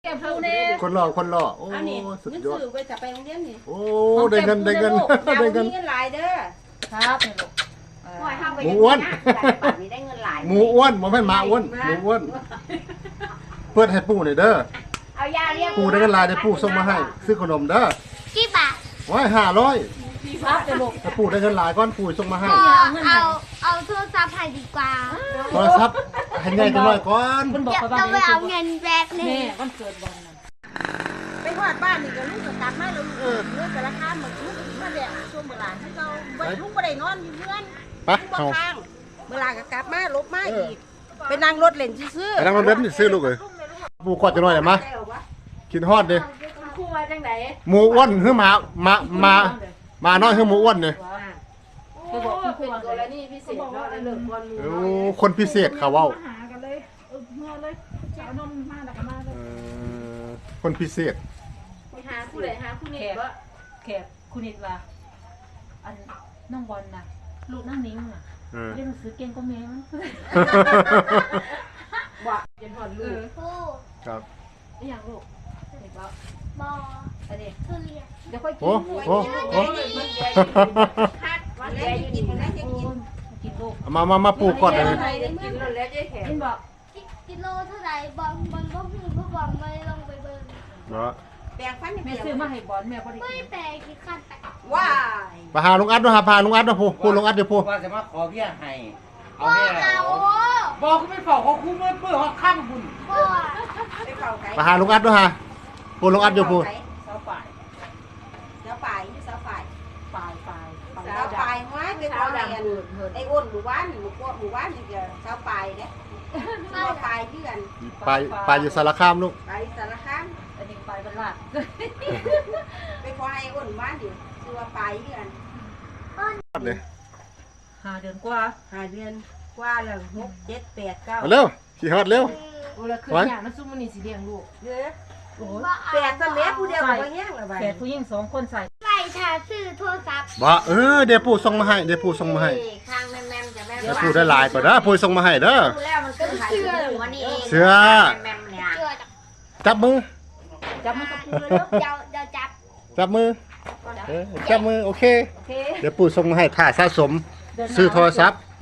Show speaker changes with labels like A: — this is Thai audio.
A: แกพูเนี่ย
B: คนหล่อคนหล่อโอ้
C: อันนี้
B: สุด
C: เงิน
B: ยอด
C: ซื้อไปจะไปโรงเรียนนี่
B: โอ้ได้เงินได้เงิน
C: ดาว
B: ได้เงิน
C: มีเงินหลายเด้อ
A: ครับเนี่ยลูก
C: ปล่อยห้ามไป
B: หมูอ้วน
C: บัตรนี้ได้เงินหลาย
B: หมูอ้วนบ่แม่นหมาอ้วนหมูอ้วนเพื่อนให้ปู่หน่อยเด้อ
C: เอายาเรียก
B: ปู่ได้เงินหลายได้ปู่ส่งมาให้ซื้อขนมเด้อ
D: กี่บาท
B: ไว้500
A: ครับเนี่ยลูก
B: ถ้าปู่ได้เงินหลายก้อนปู่ส่งมาให้
D: เอาโทรศัพท์ให้ดีกว่า
B: โทรศัพท์ให้ใหญ่จังหน่อยก่อน
A: มันบอก
D: เดี๋ยว
A: เขาว่า
D: ต้องไปเอาเงินแป๊บนึง
A: แม่วันเกิดวันนั้น
C: ไปหอดบ้านนี่ก็ลูกก็กลับมาแล้วเรื่องแต่ละข้ามมันลูกมาแหละช่วงเวลาที่เราลูกบ่ได้นอนอยู่เพื่อน
B: ไป
C: ลูกบ่
B: เอา
C: ค้างเวลาก็กลับมาลบมาอีกไปนั่งรถเล่นซื่อ
B: ไปนั่งรถเบนซ์ซื้อลูกเอ้ยปู่กอดจังหน่อยได้มั้ยกินฮอดดิ
C: ครูว่าจังได๋
B: หมูอ้วนคือหมาน้อยคือหมูอ้วนนี่
A: คือบอกคุณครู
C: เป็น
A: ว่า
C: ตัวละนี่พิเศษเนาะได้เลิกก่อนหมู่
B: โอ้คนพิเศษเขาเว้า
E: หากันเลยเมื่อเลยเอานมมาแล้วก็มาเล
B: เอย อคนพิเศษ
C: หาผู้ใดหาผู้นี้บ่
A: แขกคุณนิดว่าอันน้องบอลน่ะลูกนั่งนิ้งน่ะ
B: เออ
A: เรียนหนังสือเก่งก็แม่มั้ง
C: บ่จนหอดลูก
D: ผู้
B: ครับ
A: นี่อย่างลูกเด็กแล้ว
D: บอ
A: อันนี้
D: ทุเรียน
A: เดี๋ยวค่อยกิ
B: โอ้
A: น
B: โอ้โอ้
C: คัดวันแรกกินวันแรกจะกิน
A: กินลูก
B: มาปลูกก่อนเลย
C: ไปได้กินแล้วแล้วจะแข็ง
A: กินบอก
D: กิโลเท่าไหร่บอลบอลก็พูดก็บอลไม่ลงไปเบิ่ง
B: เนาะ
C: แปลงฟัน
A: แม่ซื้อมาให้บอลแม่ก็ได้
D: ไม่
A: กิน
D: แต่กี่ขั้นแต่
C: ว้าย
B: ไปหาลุงอัดด้วยหาพาลุงอัดด้วยพูดลุงอัดเดี๋ยวพูด
F: ว่าจะมาขอเบี้ยให้เอา
D: พ่อ
F: เบี้ย
D: เอา
F: บอกกูไม่ฝากของกูเมื่อเปื้อหอดข้ามบุญ
D: พ่อ
C: ไปเฝ้าไก่
B: ไปหาลุงอัดด้วยฮะพูดลุงอัดเดี๋ยวพูด
A: เสาป่าย
C: เสาป่ายนี่เสาป่าย
A: ป่ายป่าย
C: เสาป่ายห้อยไปเสาแดงไอ้อ้นหมู่บ้านหมู่บ้านนี่ก็เสาป่ายเด้เสาป่ายเพื่อน
B: ไปอยู่สารคามลูก
C: ไปสารคาม
A: อันนี้ป่ายบรรลัด
C: ไปขอไอ้อ้นบ้านอยู่ชื่อว่าป่ายเพื่อน
B: เลย
A: 5 เดือนกว่า
C: 5 เดือนกว่าแล้ว6 7 8 9
B: มาเร็วขี่ฮอดเร็ว
A: โอ้แล้วคืออย่างนั้นซุมมันนี่สิเลี้ยงลูก
C: เด้อ
A: โอ้ย
C: 8ซะแม่ผู้เดียวก็บ่แห้งแล้วบัด
A: แฝดผู้หญิง2 คนใส่
D: ไปถ่าซื้อโทรศัพท์
B: บ่เดี๋ยวปู่ส่งมาให้เดี๋ยวปู่ส่งมาให้
C: ข้างแม่มๆจะแม่
B: เดี๋ยวปู่ได้หลายกว่าเด้อปู่ส่งมาให้เด้อ
C: ดูแล้วมันก็ขายหัวนี่เอง
B: เสือ
C: แม่มๆเนี่ย
D: เจอจาก
B: จับมือ
A: จับมันกับพูเลยเนาะ
D: เดี๋ยวจับ
B: จับมือจับมือโอเค
A: โอเค
B: เดี๋ยวปู่ส่งมาให้ถ่าสะสมซื้อโทรศัพท์